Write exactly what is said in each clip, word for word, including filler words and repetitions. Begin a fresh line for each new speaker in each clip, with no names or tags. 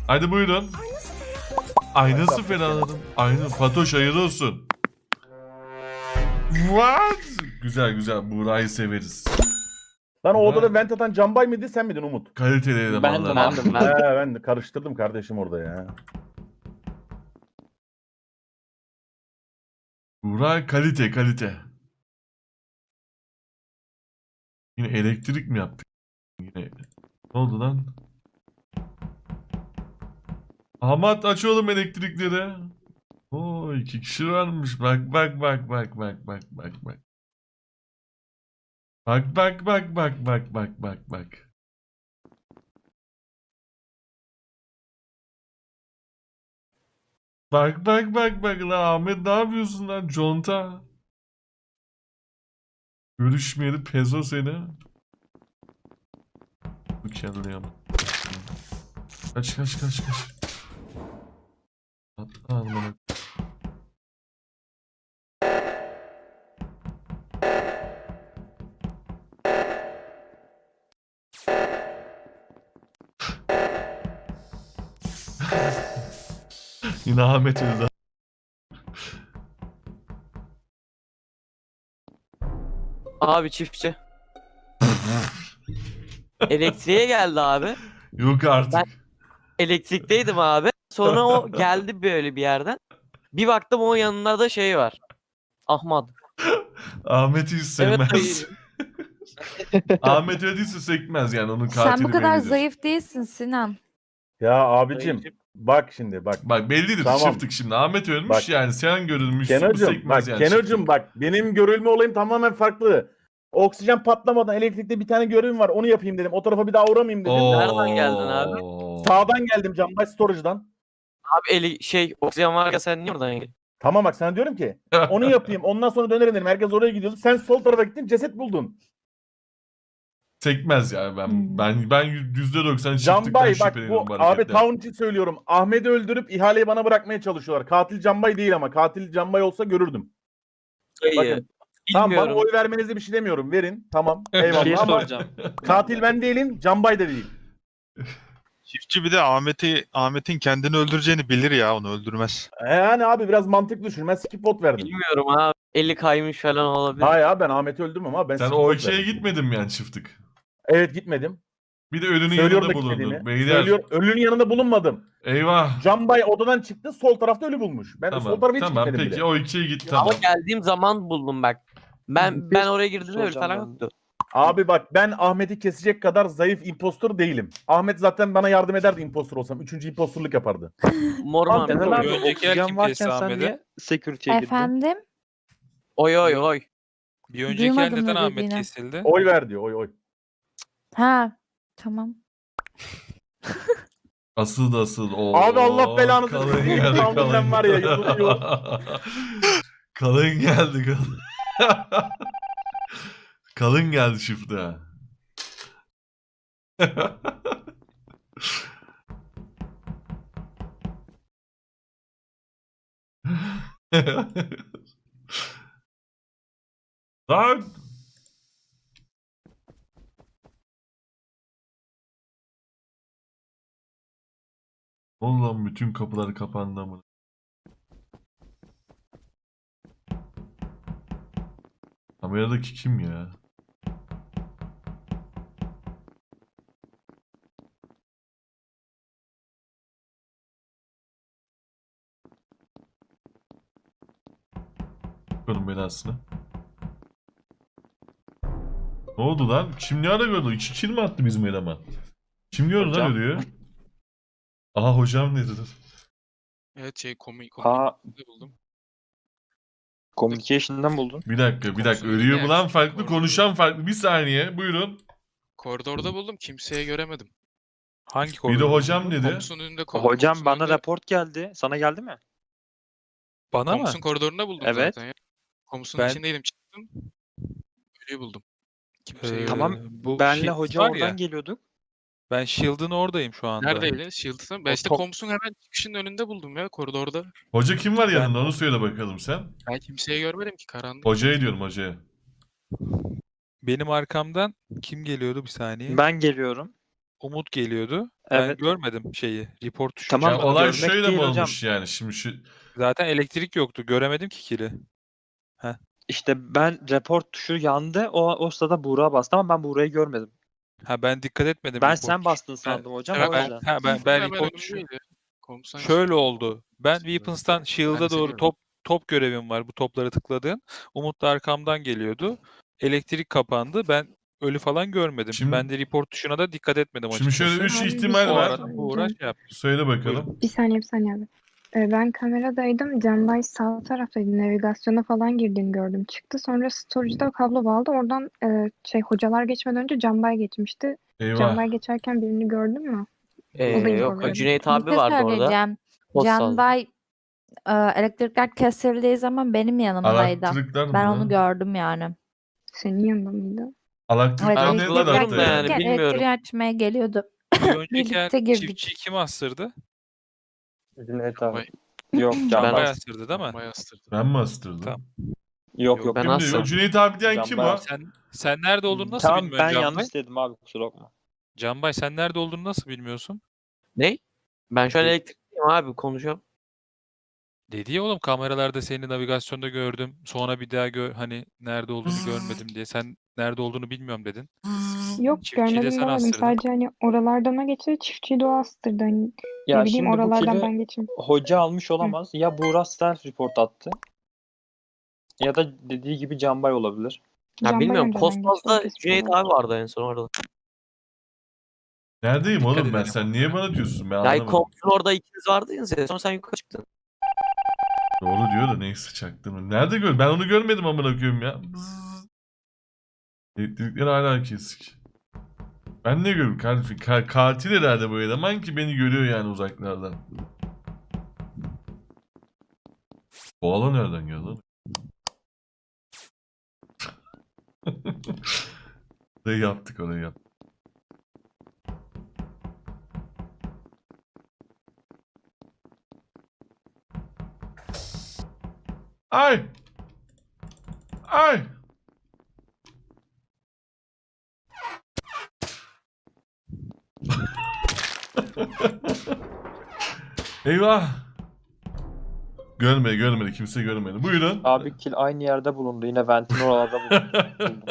Hadi buyurun. Ay nasıl ferahladım. Aynen. Fatoş hayırlı olsun. What? Güzel güzel. Buğra'yı severiz.
Lan o
Buğra...
odada vent atan Canbay mıydı sen miydin Umut?
Kaliteli elemanlar.
Ben de, ben de.
He ben de karıştırdım kardeşim orada ya.
Buğra kalite kalite. Yine elektrik mi yaptık? Yine. Ne oldu lan? Ahmet aç oğlum elektrikleri. Oo iki kişi varmış. Bak bak bak bak bak bak bak bak. Bak bak bak bak bak bak bak bak. Bak bak bak bak lan Ahmet ne yapıyorsun lan conta? Görüşmeyeli pezo seni. Bu kendine yap. Kaç kaç kaç kaç. Atla almanı. Yine Ahmet öldü.
Abi çiftçi. Elektriğe geldi abi.
Yok artık.
Ben- Elektrikteydim abi. Sonra o geldi böyle bir yerden. Bir baktım o yanında da şey var. Ahmet.
Ahmet'i hiç
Evet
sevmez. Ahmet öldüyse sekmez yani onun katili
Sen bu kadar
bellidir.
zayıf değilsin Sinan.
Ya abicim bak şimdi bak.
Bak bellidir
Tamam.
çiftlik şimdi. Ahmet ölmüş
Bak.
yani sen görülmüşsün bu
Kenocum bak
sekmez yani.
Kenocum
çiftlik.
bak benim görülme olayım tamamen farklı. Oksijen patlamadan elektrikte bir tane görevim var onu yapayım dedim. O tarafa bir daha uğramayayım dedim.
Oo.
Nereden geldin abi?
Sağdan geldim Canbay Storage'dan.
Abi eli şey oksijen var ya sen niye oradan geldin?
Tamam bak sana diyorum ki onu yapayım ondan sonra dönerim dedim. Herkes oraya gidiyordu. Sen sol tarafa gittin ceset buldun.
Sekmez yani ben
Hmm.
ben ben yüzde doksan çiftlikten
Canbay bak
şüpheleniyorum
bu
bu
abi
hareketten.
Town için söylüyorum. Ahmet'i öldürüp ihaleyi bana bırakmaya çalışıyorlar. Katil Canbay değil ama katil Canbay olsa görürdüm.
Dayı.
Bakın. Tamam bana
Bilmiyorum.
oy vermenize bir şey demiyorum. Verin. Tamam.
Bir şey
Eyvallah ama
soracağım.
katil ben değilim. Canbay da değil.
Çiftçi bir de Ahmet'i Ahmet'in kendini öldüreceğini bilir ya, onu öldürmez.
E Yani abi biraz mantıklı düşün. Ben skip vote verdim.
Bilmiyorum abi. Eli kaymış falan olabilir.
Hayır abi ben Ahmet'i öldürmem ama ben
Sen
skip
o
vote
ikiye
verdim.
gitmedin mi yani çiftlik?
Evet gitmedim.
Bir de ölünün
Söylüyorum da
yanında bulundun.
gitmediğimi.
Beyler.
Söylüyorum. Ölünün yanında bulunmadım.
Eyvah.
Canbay odadan çıktı. Sol tarafta ölü bulmuş. Ben sol
Tamam
tarafa hiç
tamam
gitmedim
peki
bile.
o ikiye git
Ama
tamam.
geldiğim zaman buldum bak. Ben ben oraya girdiğimde öyle falan yoktu.
Abi bak ben Ahmet'i kesecek kadar zayıf impostor değilim. Ahmet zaten bana yardım ederdi impostor olsam. Üçüncü impostorluk yapardı.
Morman.
Abi,
Kenan abi
Bir önceki yer
oksijen
kim
varken
kesti
sen
Ahmet'i?
niye security'ye girdin?
Efendim?
Oy oy oy.
Bir önceki yer
Duymadım
neden
ne
Ahmet
dediğini.
kesildi?
Oy ver diyor. Oy oy.
Ha, tamam.
Asıl da asıl. Oo,
Abi Allah belanızı
kalın
versin.
geldi
Tahminen
kalın.
var ya, yoruluyor.
Kalın geldi kalın. Kalın geldi çifte. Lan. Oğlum bütün kapılar kapandı mı? Kameradaki kim ya? Bakalım belasını. Ne oldu lan? Kim ne ara gördü? İki kill mi attı bizim eleman? Kim gördü lan
Hocam.
ölüyor? Aha hocam ne dedi?
Evet şey komi
Ha,
komi buldum.
communication'dan buldun.
Bir dakika bir dakika
Komisyon
ölüyor
yani.
bulan farklı
Koridor.
konuşan farklı. Bir saniye buyurun.
Koridorda buldum. Kimseye göremedim.
Hangi
Bir de
koridor?
hocam dedi.
Komusun önünde ko-
Hocam
komusun
bana
önünde-
raport geldi. Sana geldi mi?
Bana mı?
Komusun koridorunda buldum
Evet.
zaten ya. Komusun
Ben-
içindeydim çıktım. Ölüyü buldum. Kimseyi
Ee,
göremedim.
Tamam,
bu
Benle
Shield
hoca
var
oradan
ya,
geliyorduk.
ben Shield'ın oradayım şu anda.
Neredeydi? Shield'ın. Ben
O
işte
top-
Komusun hemen çıkışının önünde buldum ya koridorda.
Hoca kim var
Ben-
yanında onu söyle bakalım sen.
Ben kimseyi görmedim ki karanlık.
Hocaya diyorum hocaya.
Benim arkamdan kim geliyordu bir saniye?
Ben geliyorum.
Umut geliyordu. Ben
Evet.
görmedim şeyi. Report tuşunu.
Tamam,
Ya
çalmadım.
olay
görmek
şöyle mi
değil hocam.
olmuş yani şimdi şu
Zaten elektrik yoktu. Göremedim ki kili.
İşte ben report tuşu yandı. O, o sırada Buğra bastı ama ben Buğra'yı görmedim.
Ha ben dikkat etmedim.
Ben
report
sen
tuşuna.
bastın
Ben-
sandım hocam
Evet,
o
ben-
yüzden.
Ha ben ben
Hemen
report tuşu.
önümdeydi. Komutan
Şöyle
çıktı.
oldu. Ben
Sonra-
Weapons'tan
Ben
Shield'a
de seni
doğru
gördüm.
top top görevim var. Bu topları tıkladığın. Umut da arkamdan geliyordu. Elektrik kapandı. Ben ölü falan görmedim.
Şimdi-
ben de report tuşuna da dikkat etmedim
Şimdi
açıkçası.
şöyle üç
Abi bir
ihtimal
şey
O
var.
arada bu uğraş yaptı.
Söyle bakalım.
Buyurun.
Bir saniye bir saniye abi. Ee, Ben kameradaydım. Canbay sağ taraftaydı. Navigasyona falan girdiğini gördüm. Çıktı. Sonra storage'da kablo bağladı. Oradan e, şey hocalar geçmeden önce Canbay geçmişti.
Eyvah.
Canbay geçerken birini gördün mü?
Ee,
O da info
yok
verdi.
Cüneyt
Bir
abi
şey
vardı orada.
söyleyeceğim.
Post
Can
saldı.
Bay e, elektrikler kesildiği zaman benim yanımdaydı.
Elektrikler mi?
Ben
lan?
onu gördüm yani.
Senin yanında mıydı?
Elektrikler
Ben
ne
hatırlamıyorum
tarafta
da
yani?
yani.
Gelirken
bilmiyorum.
elektriği açmaya geliyordu.
Bir önceki el
Birlikte girdik.
çiftçiyi kim astırdı?
Cüneyt
abi.
Yok
Ben
Canbay
as-
astırdı değil mi?
Bayağı astırdı.
Ben mi astırdım?
Tamam.
Yok yok.
Ben
Kimdi?
astım.
O Cüneyt abi diyen kim
Canbay
o?
astı.
Sen sen nerede olduğunu nasıl
Tamam
bilmiyorsun
ben
Canbay?
yanlış dedim abi kusura bakma.
Canbay sen nerede olduğunu nasıl bilmiyorsun?
Ne? Ben şu an
Ne?
elektrikteyim abi konuşuyorum.
Dedi ya oğlum kameralarda seni navigasyonda gördüm. Sonra bir daha gör hani nerede olduğunu görmedim diye. Sen nerede olduğunu bilmiyorum dedin.
Yok
Çiftçiyi de
görmedim
sen
demedim.
astırdın.
Sadece hani oralardan o geçti. Çiftçiyi de o astırdı. Hani
Ya
ne bileyim
şimdi bu
oralardan
kili
ben geçeyim.
hoca almış olamaz. Ya Buğra self report attı. Ya da dediği gibi Canbay olabilir.
Ya
Canbay
bilmiyorum.
önceden geçti, o
Kosmos'ta
kesin
Cüneyt
olabilir.
abi vardı en son orada.
Neredeyim
Dikkat
oğlum ben?
edelim.
Sen niye bana diyorsun? Ben
Ya
anlamadım.
Komsun orada ikiniz vardınız ya. Sonra sen yukarı çıktın.
Doğru diyor da neyse çaktım. Nerede gör? Ben onu görmedim amına koyayım ya. Bzzz. Elektrikler hala kesik. Ben ne görüyorum kardeşim? Ka- katil herhalde bu eleman ki beni görüyor yani uzaklardan. Koala nereden geldi lan? Orayı yaptık orayı yaptık. Ay! Ay! Eyvah! Görmedi, görmedi. Kimse görmedi. Buyurun.
Abi kill aynı yerde bulundu. Yine ventin oralarda bulundu.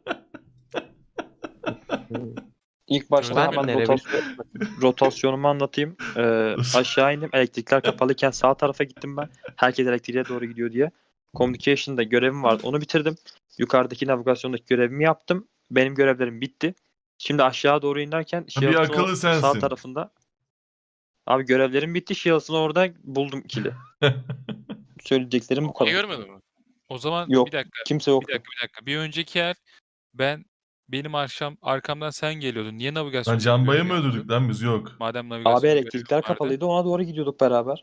İlk başta
Ben
hemen
nereye
rotasyon, rotasyonumu anlatayım. Ee, aşağı indim. Elektrikler kapalıyken sağ tarafa gittim ben. Herkes elektriğe doğru gidiyor diye. Communication'da görevim vardı. Onu bitirdim. Yukarıdaki navigasyondaki görevimi yaptım. Benim görevlerim bitti. Şimdi aşağı doğru inerken Shields'ın
akıllı
o
sensin.
sağ tarafında. Abi görevlerim bitti. Shields'ın orada buldum kill'i. Söyleyeceklerim bu
Niye
kadar.
görmedin mi?
O zaman
Yok.
bir dakika.
Kimse
Bir
yoktu.
dakika bir dakika. Bir önceki yer ben benim arşam arkamdan sen geliyordun. Niye navigasyon?
Lan Canbay'ı mı öldürdük lan biz? Yok.
Madem navigasyon
Abi elektrikler
görevi vardı.
kapalıydı. Ona doğru gidiyorduk beraber.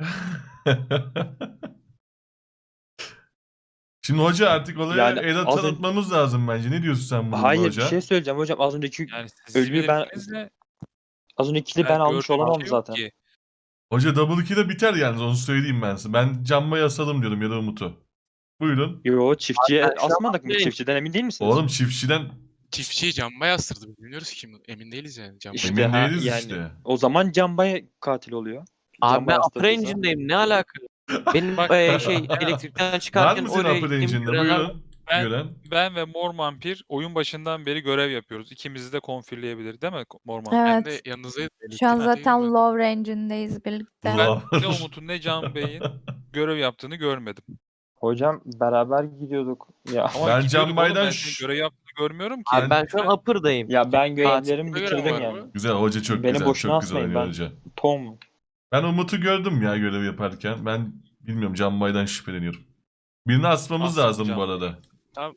Şimdi hoca artık olaya
Yani
el
az ön-
tanıtmamız lazım bence. Ne diyorsun sen bunun
Hayır
hoca?
bir şey söyleyeceğim hocam. Az önceki
Yani siz
Ölüyü ben-
bilirsinizle
az önceki kill'i ben almış
gördüğüm
olamam
bir şey yok
zaten.
ki.
Hoca double kill'e biter yalnız onu söyleyeyim ben size. Ben Canbay'ı asalım diyorum ya da Umut'u. Buyurun.
Yo çiftçiye
Abi ben şu an
asmadık mı?
bakayım.
Çiftçiden emin değil misiniz?
Oğlum çiftçiden
Çiftçiyi Canbay astırdı. Bilmiyoruz ki kim. Emin değiliz yani. Canbay.
İşte
emin
ha,
değiliz
yani.
işte.
O zaman Canbay katil oluyor.
Abi
Canbay
ben upper
astırdıysa.
engine'deyim. Ne alaka? Benim
Bak-
e, şey elektrikten
Var
çıkarken
mısın
oraya
upper
gittiğim
engine'de?
görenler-
Buyurun.
Ben-
Gören.
Ben ve Mor Vampir oyun başından beri görev yapıyoruz. İkimizi de konfirleyebilir değil mi Mor Vampir?
Ben
Evet.
de yanınızdaydım.
Şu an
Elektrikte
zaten
değilim
low range'indeyiz birlikte.
Ulan.
Ben ne Umut'un ne Can Bey'in görev yaptığını görmedim.
Hocam beraber gidiyorduk. Ya
Ama
Ben
gidiyorduk
Can
oğlum,
Bay'dan
ben
ş-
senin görev yaptığını görmüyorum ki.
Abi ben şu an upper'dayım.
ya ben görevlerimi
Katil
bitirdim
gören var
yani.
mı?
Güzel hoca çok
Beni
güzel.
boşuna
Çok güzel
asmayın,
oynuyor
ben-
hoca.
Tom.
Ben Umut'u gördüm ya görev yaparken. Ben bilmiyorum Canbay'dan şüpheleniyorum. Birini asmamız
Asın
lazım
Can
bu
Bay.
arada.
Tamam.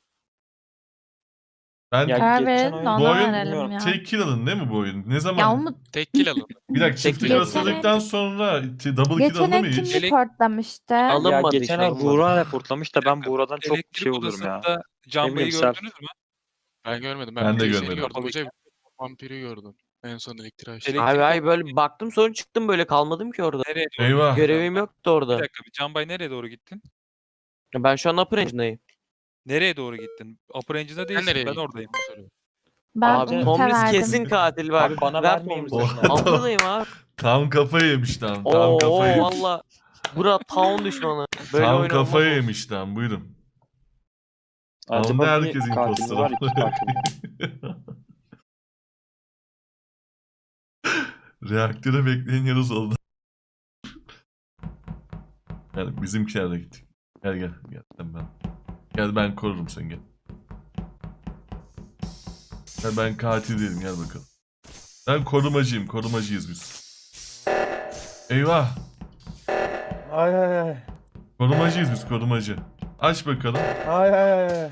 Ben
Ya
Karar
geçen
verelim
oyun-
de
bu
ona
oyun
verelim ya.
tek kill alın değil mi bu oyun? Ne zaman?
Ya Umut
Tek kill alın.
Bir dakika çift kill
Geçen-
asıldıktan sonra t- double kill
geçen
alındı mı
el kim
hiç?
Elek-
reportlamıştı?
Alın-
Ya
Alınmadı
geçen
işte,
ay
alınmadı.
Buğra reportlamış da ben
dakika,
Buğra'dan çok
Elektrik
şey oluyorum ya.
odasında Can
Ne
Bey'i
bileyim, self-
gördünüz mü?
Ben görmedim.
Ben
Ben,
de
bir seni
görmedim.
gördüm hoca. Vampiri gördüm. En son elektriği açtı.
Elektrik
Abi ay böyle baktım sonra çıktım böyle kalmadım ki orada.
Nereye doğru?
Eyvah.
Görevim yoktu
Bir
orada.
dakika bir Can Bay nereye doğru gittin?
Ben şu an upper engine'deyim.
Nereye doğru gittin? Upper Engine'da
Sen
değilsin.
nereye
Ben
gittin?
oradayım.
Onu soruyorum.
Ben
Abi
Umut'a
Tomris
verdim.
kesin katil bak.
Abi bana
Ver
vermeyin
Tomris'i.
bu sefer.
Abladayım abi.
Tam kafayı yemiş tam. Tam
Oo
kafayı yemiş.
valla. Bura town düşmanı. Böyle
Tam
oyun
kafayı
olmaz.
yemiş tam. Buyurun. Onda
Acaba bir
herkes
katil mi
imposter.
var, iki katil mi?
Reaktöre bekleyen yarız oldu. Yani bizimkiler de gittik. Gel gel gel sen ben. Gel ben korurum seni gel. Gel ben katil değilim gel bakalım. Ben korumacıyım korumacıyız biz. Eyvah.
Ay ay ay.
Korumacıyız biz korumacı. Aç bakalım.
Ay ay ay.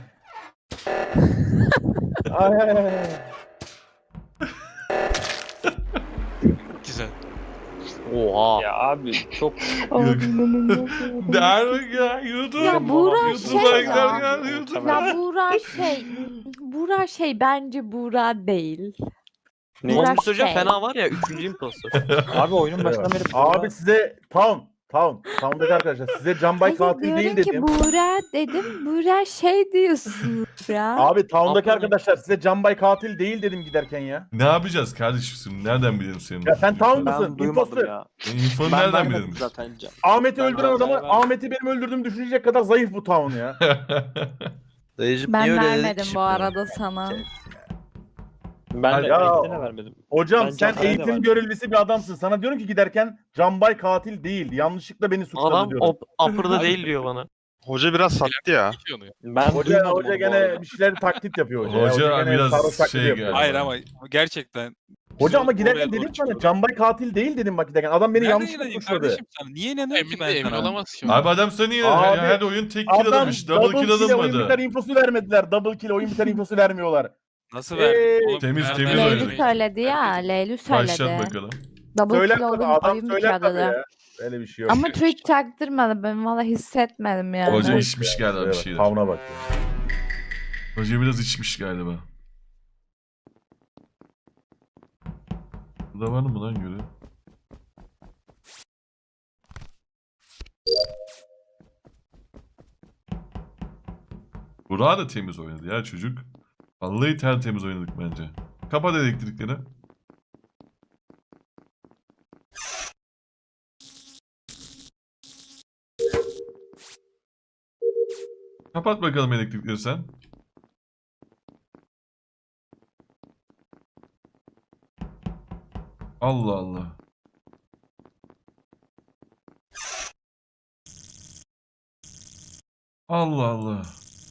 Ay ay ay.
Güzel.
Oha.
Ya abi çok
Der ya YouTube.
Ya Buğra
YouTube'a
şey
gider
ya.
gel YouTube'a.
Ya Buğra şey. Buğra şey bence Buğra değil.
Ne?
Buğra
Tomris Hoca
şey.
fena var ya. Üçüncü imposter.
abi oyunun başından beri
Abi size Town. Town. Town'daki arkadaşlar size Canbay
Hayır,
katil değil
diyorum ki
dedim.
Buğra dedim. Buğra şey diyorsunuz ya.
Abi Town'daki
Aferin.
arkadaşlar size Canbay katil değil dedim giderken ya.
Ne yapacağız kardeşim şimdi? Nereden bilelim senin?
Ya sen Town
ben
mısın?
duymadım
Imposter.
ya.
İnfonu
Ben
nereden
vermedim
bilelim?
zaten.
Ahmet'i
Ben
öldüren
Canbay'ı
adamı
vermedim.
Ahmet'i benim öldürdüğümü düşünecek kadar zayıf bu Town ya.
Dayıcım
Ben
niye öyle
vermedim
dedin ki
bu
şimdi?
arada sana.
Ben de
Ya-
elektriğine vermedim.
Hocam
Ben
sen
Canbay'a da
eğitim
verdim.
görevlisi bir adamsın. Sana diyorum ki giderken Canbay katil değil. Yanlışlıkla beni suçladı
Adam
diyorum.
op upper'da değil diyor bana.
Hoca biraz sattı ya.
Geçiyor onu ya.
Ben
Hoca,
duymadım
hoca
onu bu
gene
arada.
bir şeyler taklit yapıyor hoca.
Hoca
ya. gene
biraz
sarhoş taklidi
şey
yapıyor.
galiba.
Hayır ama gerçekten.
Hoca ama
Biz
giderken
oraya doğru
dedim sana
çıkıyorduk.
Canbay katil değil dedim bak giderken. Adam beni
Nereden
yanlışlıkla
inanayım
suçladı.
kardeşim sana? Niye inanıyorum ki
Emin
ben
de emin
sana?
olamaz ki.
Abi adam seni ya,
Abi,
her oyun tek kill
Adam
alınmış. Double kill
kill'e oyun biter
alınmadı.
infosu vermediler. Double kill oyun biter infosu vermiyorlar.
Nasıl
Ee,
verdin? Oğlum,
temiz,
nereden
temiz
verdin?
oynadı.
Leylu söyledi ya. Leylu
Başlat
söyledi.
bakalım.
Double
Söyler
kill
tabii
oyun,
adam
oyun
söyler
bitiyor
tabii
dedi.
ya. Öyle bir şey yok.
Ama Türk çaktırmadı. Ben valla hissetmedim yani.
Hoca
Boş
içmiş
ya,
galiba bir
evet,
şeyler.
Town'a bak. ya.
Hoca biraz içmiş galiba. Burada var mı lan göre? Burak da temiz oynadı ya çocuk. Vallahi tertemiz oynadık bence. Kapat elektrikleri. Kapat bakalım elektrikleri sen. Allah Allah. Allah Allah.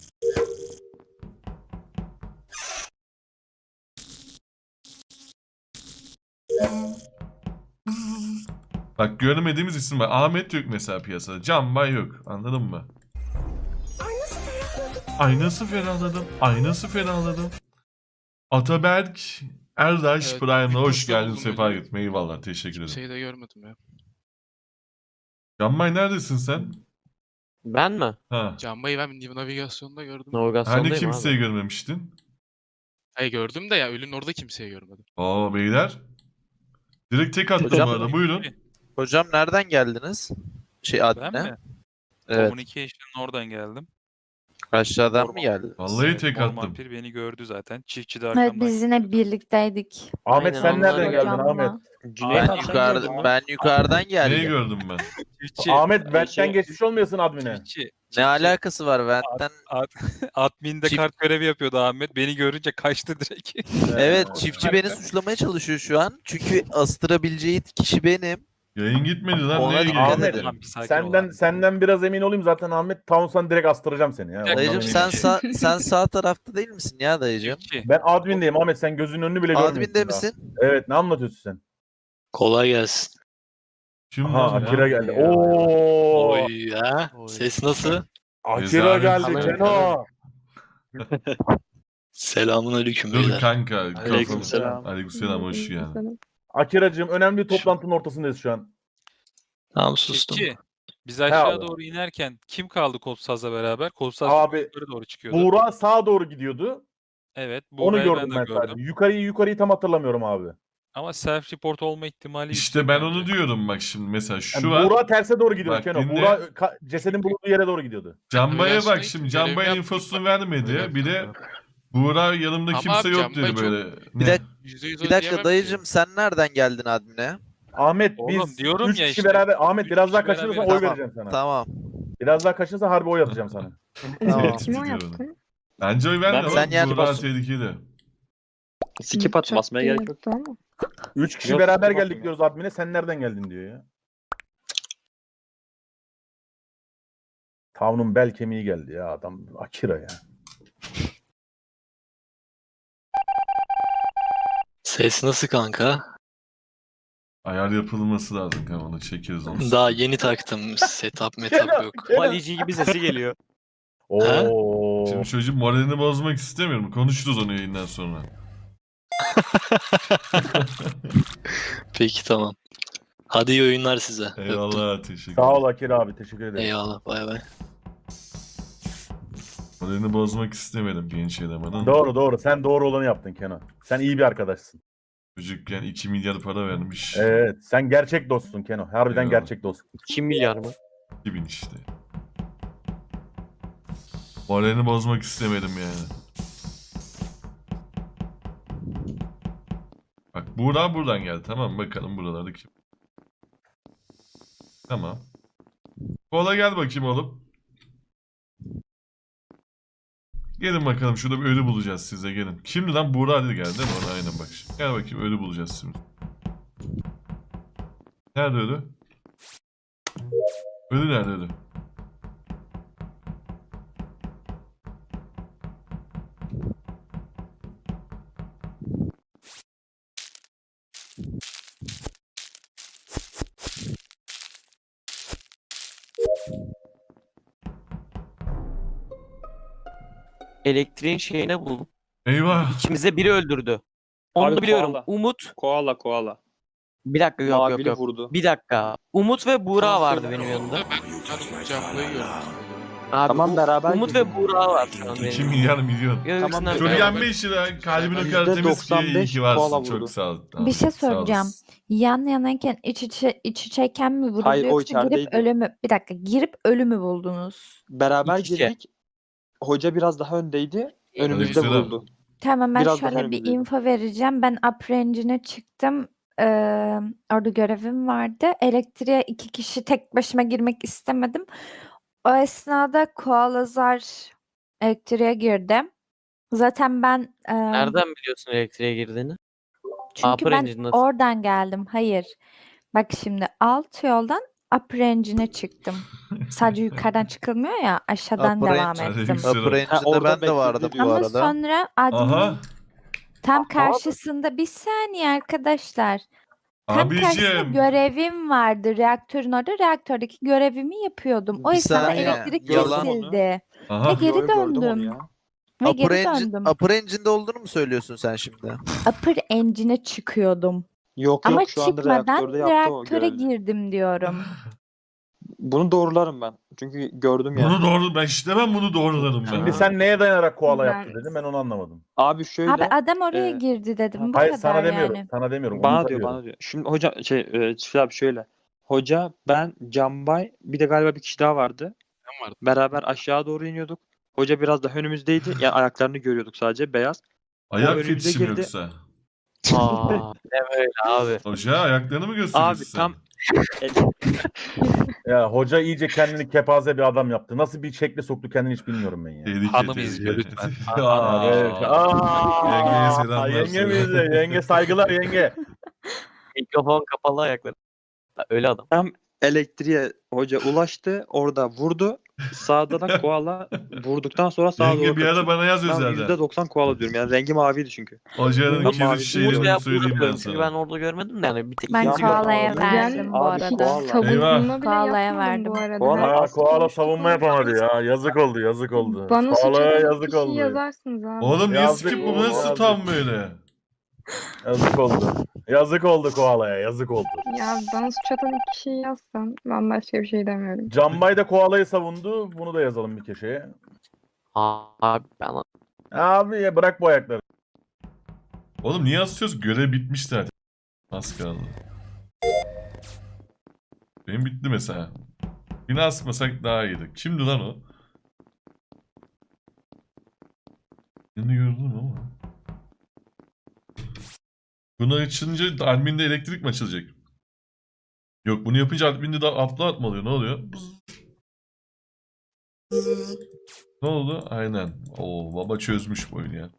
Bak görmediğimiz isim var. Ahmet yok mesela piyasada. Canbay yok. Anladın mı? Ay nasıl ferahladım. Ay nasıl ferahladım. Ataberk Erdaş
Evet,
Prime'la
bir
hoş
posta
geldin.
buldum
Sefa
öyle.
gitme. Eyvallah. Teşekkür ederim.
Kimseyi de görmedim ya.
Canbay neredesin sen?
Ben mi?
Ha.
Canbay'ı ben navigasyonda gördüm.
Navigasyondayım
Hani kimseyi
abi.
görmemiştin?
Hayır gördüm de ya ölünün orada kimseyi görmedim.
Aa beyler. Direkt tek attım
Hocam-
bu arada. Buyurun.
Hocam nereden geldiniz? Şey
Ben
admine.
mi?
Evet.
Communication'ın oradan geldim.
Aşağıdan mı geldiniz?
Vallahi
Evet,
tek
Mor
attım.
Vampir beni gördü zaten. Çiftçi de
Evet
arkamdan.
biz yine birlikteydik.
Ahmet
Aynen,
sen
onlara
nereden
göre.
geldin Ahmet?
Cüneyt
Ben
abi sen
yukarıda
gördün mü?
ben yukarıdan
Neyi
geldim.
gördüm ben?
Çiftçi.
Ahmet Vent'ten
şey-
geçmiş olmuyorsun admine.
Çiftçi.
Ne
çiftçi.
alakası var Vent'ten?
Admin'de
Çift-
kart görevi yapıyordu Ahmet. Beni görünce kaçtı direkt.
Evet, çiftçi beni suçlamaya çalışıyor şu an. Çünkü astırabileceği kişi benim.
Yayın gitmedi lan.
Ona
Neye
dikkat
gitti?
Ahmet,
edin.
Tamam, bir sakin ol
Senden
abi.
senden biraz emin olayım zaten Ahmet Town'san direkt astıracağım seni ya. Ondan
Dayıcım
eminim.
sen sağ, sen sağ tarafta değil misin ya dayıcım?
Çiftçi.
Ben admindeyim Ahmet sen gözünün önünü bile görmüyorsun.
Admin'de
daha.
misin?
Evet ne anlatıyorsun sen?
Kolay gelsin.
Kim
Aha
lan ya?
Akira geldi. Oo!
Oy ya.
Oy.
Ses nasıl?
Akira
Rezalet.
geldi
Sanırım-
Keno.
Selamun aleyküm
Dur
beyler.
kanka.
Aleykümselam.
kafam- Aleykümselam hoş geldin.
Akiracığım önemli bir toplantının ortasındayız şu an.
Tamam sustum.
Çiftçi. Biz aşağı
abi.
doğru inerken kim kaldı Kolsaz'la beraber? Kolsaz
Abi,
yukarı doğru çıkıyordu.
Buğra sağa doğru gidiyordu.
Evet.
Onu
Buğra'yı
gördüm
de
ben
gördüm.
sadece. Yukarıyı yukarıyı tam hatırlamıyorum abi.
Ama self report olma ihtimali
İşte
yüksek
ben
bence.
onu diyorum bak şimdi mesela şu
Yani
var.
Buğra terse doğru gidiyordu
Bak,
Keno.
dinle.
Buğra ka- cesedin bulunduğu yere doğru gidiyordu.
Canbay'a bak
Navigasyona
şimdi
gittim,
Canbay'ın
görevi
infosunu
yaptım.
vermedi. Bir de Buğra yanımda
Ama
kimse
abi
yok
Canbay
dedi
çok-
böyle.
Bir
Ne?
dakika,
yüzde yüz
bir
o
dakika
diyemem ki.
dayıcım sen nereden geldin admine?
Ahmet
Oğlum
biz
diyorum
üç
ya
kişi
işte.
beraber Ahmet
Üç
biraz daha
kişi
kaçırırsan
beraber-
oy
Tamam.
vereceğim sana.
Tamam.
Biraz daha kaçırırsan harbi oy atacağım sana.
Tamam.
şey
Kime oy
Ediyorum.
attın?
Bence oy verme
Ben-
oğlum.
Sen yani
Buğra
basın-
tehlikeli.
Skip at
Çok
basmaya gerek yok.
yaptı ama.
Üç kişi
Yok,
beraber
yok,
geldik
yok.
diyoruz admine. Sen nereden geldin diyor ya. Tavunun bel kemiği geldi ya adam. Akira ya.
Ses nasıl kanka?
Ayar yapılması lazım kanka, onu çekeriz onu.
Daha yeni taktım. Setup metap yok.
Valici gibi sesi geliyor.
Oo.
Şimdi çocuğun moralini bozmak istemiyorum. Konuşuruz onu yayından sonra.
Peki tamam. Hadi iyi oyunlar size. Öptüm.
Eyvallah, teşekkür
Sağ ol
ederim.
Akira abi. Teşekkür ederim.
Eyvallah bay bay.
Moralini bozmak istemedim genç elemanın.
Doğru doğru. Sen doğru olanı yaptın Kenan. Sen iyi bir arkadaşsın.
Çocukken iki milyar para vermiş.
Evet. Sen gerçek dostsun Kenan. Harbiden
Eyvallah.
gerçek dostsun.
iki milyar mı?
iki bin işte. Moralini bozmak istemedim yani. Bak Buğra buradan geldi, tamam mı? Bakalım buralarda kim? Tamam. Kola gel bakayım oğlum. Gelin bakalım, şurada bir ölü bulacağız size, gelin. Kimdi lan? Buğra dedi geldi değil mi? Ona aynen bak şimdi. Gel bakayım, ölü bulacağız şimdi. Nerede ölü? Ölü nerede ölü?
Elektriğin şeyine buldum.
Eyvah.
İkimize biri öldürdü. Onu
Abi
da biliyorum.
koala.
Umut.
Koala koala.
Bir dakika yok yok
Mavili
yok.
vurdu.
Bir dakika. Umut ve Buğra
Tamam,
vardı
söyle.
benim yanımda.
Ben Can- Canbay'ı gördüm.
Abi,
Tamam,
U-
beraber
Umut
girdik.
ve Buğra var şu an
iki
benim.
milyar milyon.
Ya,
Tamam,
ikisinden
Çok
biri.
Beraber-
yenme işi, kalbin o
Yüzde
kadar temiz ki,
doksan
iyi
beş
ki varsın.
koala
Çok
vurdu.
sağ ol.
Bir şey
Sağ
soracağım.
olasın.
Yan yanayken iç içe iç içeyken mi vuruldu
Hayır, o
yoksa girip
içerideydi.
ölümü bir dakika girip ölümü buldunuz?
Beraber
İç içe.
girdik. Hoca biraz daha öndeydi. Önümüzde
Aleykümselam.
vuruldu.
Tamam ben
Biraz daha
şöyle bir
önümüzdeydi.
info vereceğim. Ben upper engine'e çıktım. Ee, orada görevim vardı. Elektriğe iki kişi tek başıma girmek istemedim. O esnada Koalazar elektriğe girdi. Zaten ben e,
Nereden biliyorsun elektriğe girdiğini?
çünkü
Upper
ben
engine nasıl?
oradan geldim. Hayır. Bak şimdi alt yoldan upper engine'e çıktım. Sadece yukarıdan çıkılmıyor ya, aşağıdan
Upper
devam
engine.
ettim.
Aleykümselam.
Upper
Ha,
Engine'de
orada
ben de
bekledi
vardım bu
diyor.
Ama
arada.
sonra
Aha.
admin tam karşısında bir saniye arkadaşlar. Tam karşısında
Abicim.
görevim vardı. Reaktörün orada reaktördeki görevimi yapıyordum. O
Bir
esnada
saniye,
elektrik
yalan.
kesildi. Ve
Aha.
geri
Yo, yo, gördüm onu
döndüm.
ya.
Ve
Upper,
geri
engine,
döndüm.
upper Engine'de olduğunu mu söylüyorsun sen şimdi?
Upper engine'e çıkıyordum.
Yok
Ama
yok şu anda
çıkmadan
reaktörde yaptı o
reaktöre
görevi.
girdim diyorum.
Bunu doğrularım ben. Çünkü gördüm yani.
Bunu doğru, ben işte ben bunu doğrularım ben.
Şimdi sen neye dayanarak koala
Ben-
yaptı dedim, ben onu anlamadım.
Abi şöyle.
Abi adam oraya
e,
girdi dedim. Bu
Hayır
kadar
sana demiyorum.
yani.
Sana demiyorum.
Bana
Umut'a
diyor,
diyorum.
bana diyor. Şimdi hoca şey e, Çiftli abi şöyle. Hoca, ben, Canbay, bir de galiba bir kişi daha vardı.
Ben vardım.
Beraber aşağı doğru iniyorduk. Hoca biraz daha önümüzdeydi. Yani ayaklarını görüyorduk sadece beyaz.
Ayak
önümüze
fetişim
girdi.
yoksa.
Aa, ne böyle abi.
Hoca ayaklarını mı gösteriyorsun
Abi
sen?
tam
Ya hoca iyice kendini kepaze bir adam yaptı. Nasıl bir şekle soktu kendini hiç bilmiyorum ben ya.
Tehlike,
Hanım
tehlike.
izliyor lütfen.
Aa,
Evet. Aa,
Yengeye selamlar
Yenge mi
söyle.
izle? Yenge saygılar yenge.
Mikrofon kapalı ayakları. Ha, öyle adam.
elektriğe hoca ulaştı. Orada vurdu. Sağda da koala vurduktan sonra sağa
Yenge
doğru
bir ara
kaçıyor.
bana yaz
Ben
özelden.
yüzde doksan koala diyorum. Yani rengi maviydi çünkü.
Hocanın
Ben
kirli
mavi-
Umut
şeylerini
veya
söyleyeyim
Buğra
ben
çünkü ben
sana.
orada görmedim de yani bir tek
Ben
ikisi
koalaya
gördüm.
verdim bu
Abi,
arada.
koala.
Savunma bile
Koalaya
yapmadım
verdim.
bu arada.
Koala-
Herkes
Aa, koala
konuştu,
savunma
konuştu.
yapamadı ya. Yazık oldu, yazık oldu.
Bana suç
Koalaya
atan
yazık
kişiyi
oldu.
yazarsınız abi.
Oğlum niye
Yazdık
skip bu
oğlum,
nasıl
yazdık.
tam böyle?
Yazık oldu. Yazık oldu koalaya, yazık oldu.
Ya bana suç atan ilk kişiyi yazsan ben başka bir şey demiyorum.
Canbay da koalayı savundu. Bunu da yazalım bir köşeye.
Abi ben
Abi ya bırak bu ayakları.
Oğlum niye asıyoruz? Görev bitmiş zaten. Az kaldı. Benim bitti mesela. Yine asmasak daha iyiydi. Kimdi lan o? Yeni gördüm ama. Bunu açınca adminde elektrik mi açılacak? Yok, bunu yapınca adminde de upload mı oluyor? Ne oluyor? Bızz. Bızz. Ne oldu? Aynen. Oo, baba çözmüş bu oyunu ya.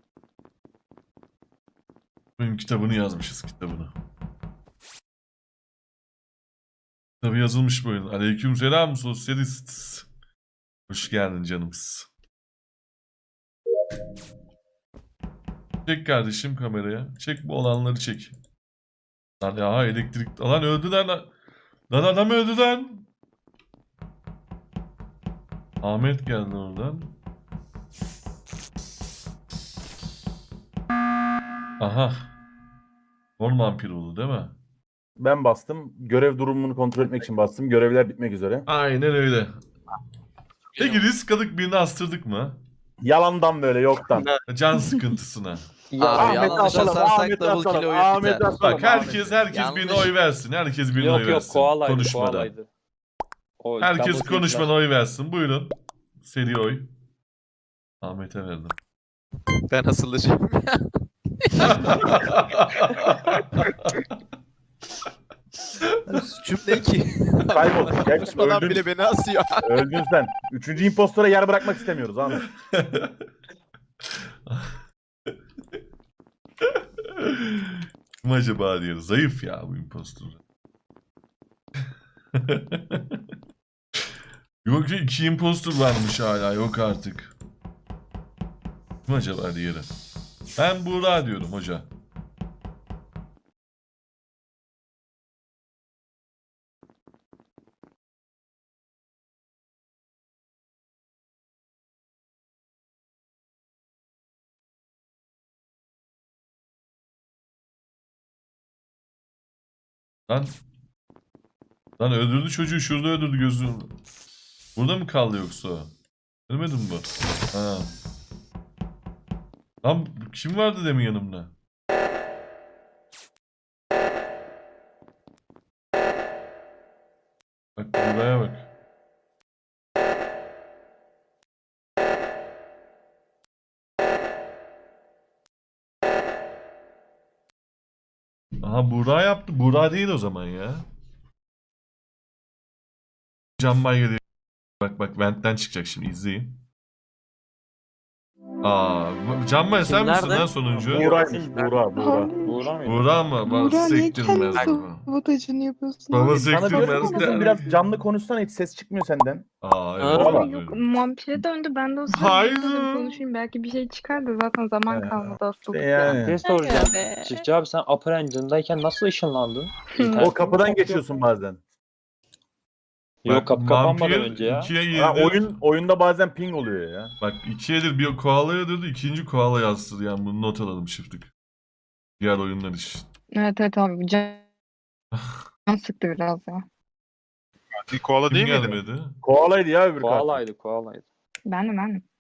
Oyun kitabını yazmışız, kitabını. Kitabı yazılmış bu oyun. Aleykümselam sosyalist. Hoş geldin canımız. Çek kardeşim kameraya. Çek bu olanları çek. Lan ya elektrik... Lan öldü lan. Lan adam öldü lan. Ahmet geldi oradan. Aha. Mor vampir oldu değil mi?
Ben bastım. Görev durumunu kontrol etmek için bastım. Görevler bitmek üzere.
Aynen öyle. Peki risk aldık, birini astırdık mı?
Yalandan böyle yoktan.
Can sıkıntısına.
Abi
Ahmet'i
yanlış
asalım,
asarsak
Ahmet'i
double
asalım,
kill oyun
Ahmet'i
biter.
asalım,
Bak herkes herkes
Yanlış.
birine oy versin. Herkes birine
Yok
oy
yok
versin.
koalaydı
Konuşmadan.
koalaydı. O
Herkes
double kill
konuşmadan
falan.
oy versin. Buyurun. Seri oy. Ahmet'e verdim.
Ben asılacağım. Suçum ne ki?
Kaybolduk. Geç,
Konuşmadan
öldün,
bile beni asıyor.
öldün sen. Üçüncü impostora yer bırakmak istemiyoruz Ahmet.
Kim acaba diyor. Zayıf ya bu impostor. Yok ya, iki impostor varmış hala. Yok artık. Kim acaba diğeri? Ben Buğra diyorum hoca. Lan. Lan öldürdü çocuğu, şurada öldürdü gözünü. Burada mı kaldı yoksa o? Ölmedi mi bu? Ha. Lan kim vardı demin yanımda? Bak buraya bak. Aha Buğra yaptı. Buğra değil o zaman ya. Can Bay geliyor. Bak bak ventten çıkacak şimdi, izleyin. Aa, bu- Can Bay sen
Kim
misin
nerede?
lan sonuncu?
Buğra'ymış. Buğra, Buğra.
Buğra mıydı?
Buğra mı? Bak sektirmez.
sabotajını yapıyorsun?
Baba
Sana diyorum
sektirmez.
ki kızım biraz canlı konuşsana, hiç ses çıkmıyor senden.
Aa evet.
Aa,
Valla.
özür
Yok
dilerim.
vampire döndü. Ben de o
Hayır.
sırada dedim konuşayım. Belki bir şey çıkar da zaten zaman
Ee,
kalmadı asıldık.
işte
ya.
yani.
Bir şey soracağım.
be.
Çiftçi abi sen Upper Engine'dayken nasıl ışınlandın?
O kapıdan geçiyorsun bazen.
Yok kapı kapanmadan
vampir
önce ya.
ikiye
Ha,
yedir.
oyun oyunda bazen ping oluyor ya.
Bak ikiyedir bir koala yadırdı, ikinci koala yazdı. Yani bunu not alalım şiftik. Diğer oyunlar için.
Evet evet abi. Can, can sıktı biraz ya.
Bir koala
Kim
değil miydi?
gelmedi?
Koalaydı ya öbür katil.
Koalaydı koalaydı.
Ben de ben de.